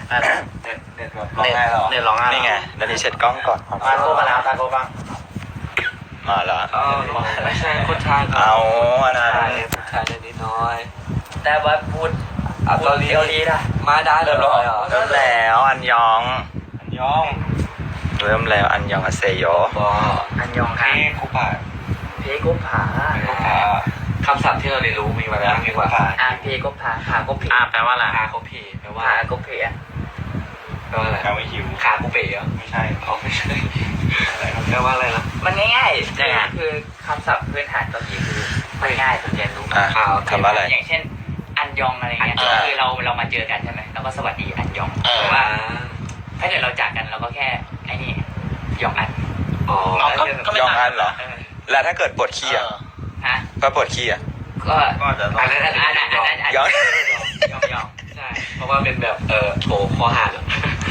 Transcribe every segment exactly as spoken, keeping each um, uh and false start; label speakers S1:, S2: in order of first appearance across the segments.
S1: เน็ตเน็ตแบบร้องไห้หรอเน็ตร้องไห้
S2: นี่ไงเดี๋ยวนี้เช็ดกล้องก่อน
S1: ตาโกมาแล้วตาโกบ้าง
S2: มาแล้ว
S1: ไม่ใช่คนชาย
S2: เอาอันนั้น
S1: คนชายนิดน้อยแต่ว่าพูดเอาตอนนี้ดีนะมาได้เลยเหรอ
S2: เริ่มแล้วอันยอง
S1: อันยอง
S2: เริ่มแล้วอันยองอาเซโย
S1: อันยองครับเพกุผาเพกุผาคำศัพท์ที่เราเรียนรู้มีมาแล้วมีว่าอ่าเพกุผาผากุเพ
S2: อ่าแปลว่าอะไร
S1: ผากุเพแปลว่าผากุเพอ่ะแปลว่าอะไรแปลว่าหิวขากุเปอ่ะไม่ใช่อ๋อไม่ใช่อะไรแปลว่าอะไรนะมันง่ายๆเนี่ยคือคำศัพท์พื้นฐานเกาหลีคือมันง่ายสุดเรียนรู้
S2: อ่าทำอะไร
S1: อย่างเช่นอันยองอะไรเงี้ยคือเราเรามาเจอกันใช่ไหมเราก็สวัสดีอันยองแต่ว่าถ้าเกิดเราจากกันเราก็แค่ไอ้นี่ยองอัน
S2: อ๋อยองอันเหรอแล้วถ้าเกิดปวดขี้อ่ะ
S1: ฮะ
S2: ก็ปวดขี้อ่ะ
S1: ก็อันนั้นอันนั้นอันนั้นยองยองยองใช่เพราะว่าเป็นแบบเออโถคอหัก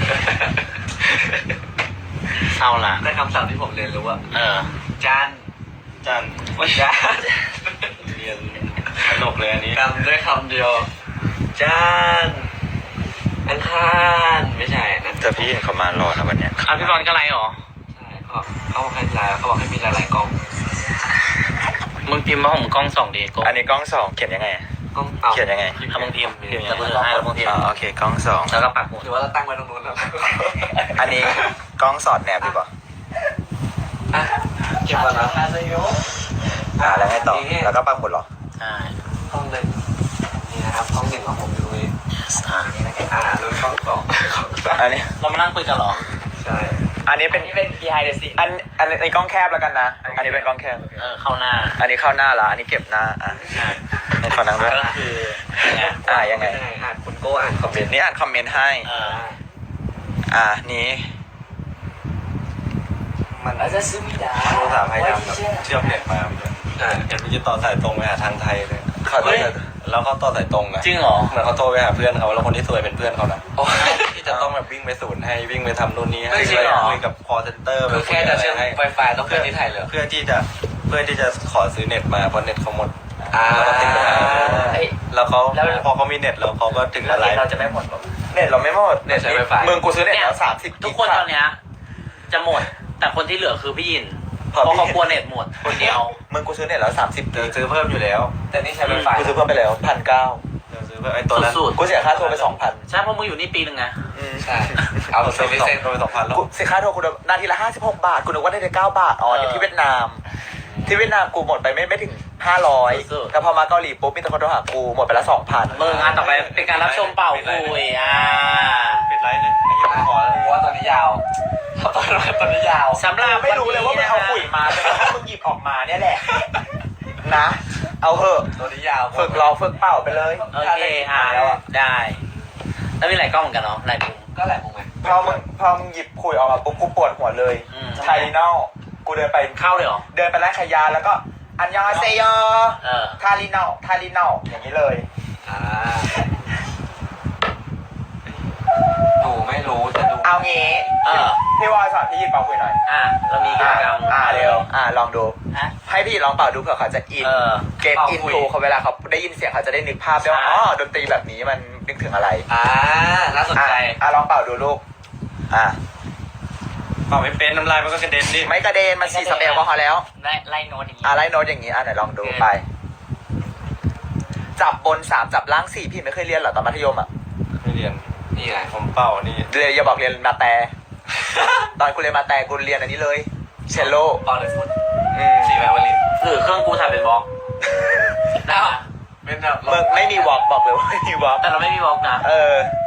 S2: เศร้าละ
S1: ได้คำศัพท์ที่ผมเรียนรู้ว่า
S2: เออ
S1: จาน
S2: จาน
S1: ว่าจาน
S2: เรียนสนุกเลยอันนี้
S1: คำด้วยคำเดียวจานอังคารไม่ใช่นะ
S2: จะพี่เขามารอนะวันนี้
S1: อ่ะพี่บอลก็ไลน์หรอใช่เขาเขาให้ไลน์เขาบอกให้มีหลายๆกล้อง
S2: มึงพิมพ์มาผมกล้องสองดีอันนี้กล้องสองเขียนยังไง
S1: กล้อง
S2: เขียนยังไง
S1: ถ้ามึงพิมพ์พิมพ์จะเบอร์ให้แล้วมึงพิมพ์
S2: โอเคกล้องสอง
S1: แล้วก็ปักหมุดหรือว่าเราตั้งไว้ตรงนู้นแล้ว
S2: อันนี้กล้องสอดแนบดีกว่า
S1: อ่ะเก็บก่อนนะ
S2: อ่าแล้วไงต่อแล้วก็ปักหมุดหรอ
S1: ใช่ห้องหนึ่งนี่นะครับห้องหนึ่งของผมอยู่ตรงนี้อ่านี่นะครับอ่าลุ้นห้องสอง
S2: อันนี้
S1: เรามานั่งคุยกันหรอ
S2: ใช่อันนี้เป็น
S1: เป็น behind the scene
S2: อันอันในกล้องแคบแล้วกันนะอันนี้เป็นกล้องแคบ
S1: เออเข้าหน้า
S2: อันนี้เข้าหน้าละอันนี้เก็บหน้าอ่ะให้ขอนั่งด้วย
S1: ก็คือ
S2: อ่ายังไง
S1: อ่านคุณโก้อ่านคอมเมนต์
S2: นี่อ่านคอมเมนต์ให้อ่านี้
S1: มันจะซื้อไม่ได้
S2: โทรศัพท์พยายามเชื่อมเน็ตมาเห็นพี่จะต่อสายตรงไปหาทางไทยเลยเขาแล้วเขาต่อสายตรงอะ
S1: จริงเหรอ
S2: เหมือนเขาโทรไปหาเพื่อนเขาแล้วคนที่ซวยเป็นเพื่อนเขานะที่จะต้องแบบวิ่งไปศูนย์ให้วิ่งไปทำนู่นนี่ให้คุยกับ call center
S1: คือแค่จะเชื่อม Wi-Fi ต้องเป็นที่ไทยเลย
S2: เพื่อที่จะเพื่อที่จะขอซื้อเน็ตมาเพราะเน็ตเขาหมด
S1: แล้ว
S2: ก็ติดปัญหาแล้วเขาพอเขามีเน็ตแล้วเขาก็ถึงอะไร
S1: เราจะไม่หมด
S2: เน็ตเราไม่หมด
S1: เน็ตใช้ Wi-Fi
S2: มึงกูซื้อเน็ตแล้วสามสิบ
S1: ทุกคนตอนเนี้ยจะหมดแต่คนที่เหลือคือพี่ยินเพราะเขากลัวเน็ตหมดคนเดียว
S2: มึงกูซื้อเน็ตแล้วสามสิบเดี๋ยวซื้อเพิ่มอยู่แล้ว
S1: แต่นี่ใช้ไวไฟ
S2: กูซื้อเพิ่มไปแล้วพันเก้าเดี๋ยวซื้อเพิ่มไอ้ตัวนั้นกูเสียค่าโทรไปสองพัน
S1: ใช่เพราะมึงอยู่นี่ปีนึงไง
S2: ใช่เอาซื้อเซ็นโทรไปสองพันแล้วกูเสียค่าโทรกูนาทีละห้าสิบหกบาทกูนึกว่าได้เก้าบาทอ๋อที่เวียดนามที่เวียดนามกูหมดไปไม่ไม่ถึงห้าร้อยแต่พอมาเกาหลีปุ๊บมีแต่คนโทรหากูหมดไปละสองพัน
S1: มึงงานต่อไปเป็นการรับชมเป่าคุยอ่ะ
S2: ปิดไลฟ์เลยไอ้ยี่ห้อขอแล้ว
S1: ว่าตอนนี้ยาวตอนนี้ตอนนี้ยาว
S2: สำหรับไม่รู้เลยว่ามึงเอาขุยมาแต่ถ้ามึงหยิบออกมาเนี่ยแหละนะเอาเหอะ
S1: ตอนนี้ยาว
S2: ฝึกรอฝึกเป่าไปเลย
S1: โอเคอ่าได้แล้วมีหลายกล้องเหมือนกันเนาะหลายมุมก็หลายมุมไง
S2: พอมึงพอมึงหยิบขุยออกมาปุ๊บกูปวดหัวเลยไทลีนอลกูเดินไป
S1: เข้าเลยเหรอ
S2: เดินไปร้านขายยาแล้วก็อันยองอาเซโยทาลีนอลทาลีนอลอย่างนี้เลย
S1: อ่าหนูไม่รู้จะดู
S2: เอางี้พี่วอยสอนพี่ยินเป่าคุยหน่อย
S1: อ่าเรามีกิจกรรม
S2: อ่าเร็วอ่าลองดูให้พี่ลองเป่าดูเผื่อเขาจะอินเกมอินทูเขาเวลาเขาได้ยินเสียงเขาจะได้นึกภาพได้ว่าอ๋อดนตรีแบบนี้มันนึกถึงอะไร
S1: อ่าน่าสนใจ
S2: อ่าลองเป่าดูลูกอ่า
S1: เป่าไม่เป็นน้ำลายมันก็กระเด็นดิ
S2: ไม่กระเด็นมันฉีดสเปรย์แอลกอฮอล์แล้ว
S1: ไล่ไล่โน้ตอย่างนี้
S2: อ่าไล่โน้ตอย่างนี้อ่าไหนลองดูไปจับบนสามจับล่างสี่พี่ไม่เคยเรียนเหรอตอนมัธยมอ่ะ
S1: ไม่เรียนนี่ไง
S2: ผมเป่านี่เรียนอย่าบอกเรียนมาแต่ตอนกูเรียนมาแต่กูเรียนอันนี้เลยเชลโล
S1: เป่าเลยฟุต
S2: สี่
S1: แมวลินคือเครื่องกูถ่ายเป็นบล็อกแล้ว
S2: เป็นแบบมึงไม่มีวอล์กบอกเลยว่าไม่มีวอล์ก
S1: แต่เราไม่มีวอล์กนะ
S2: เออ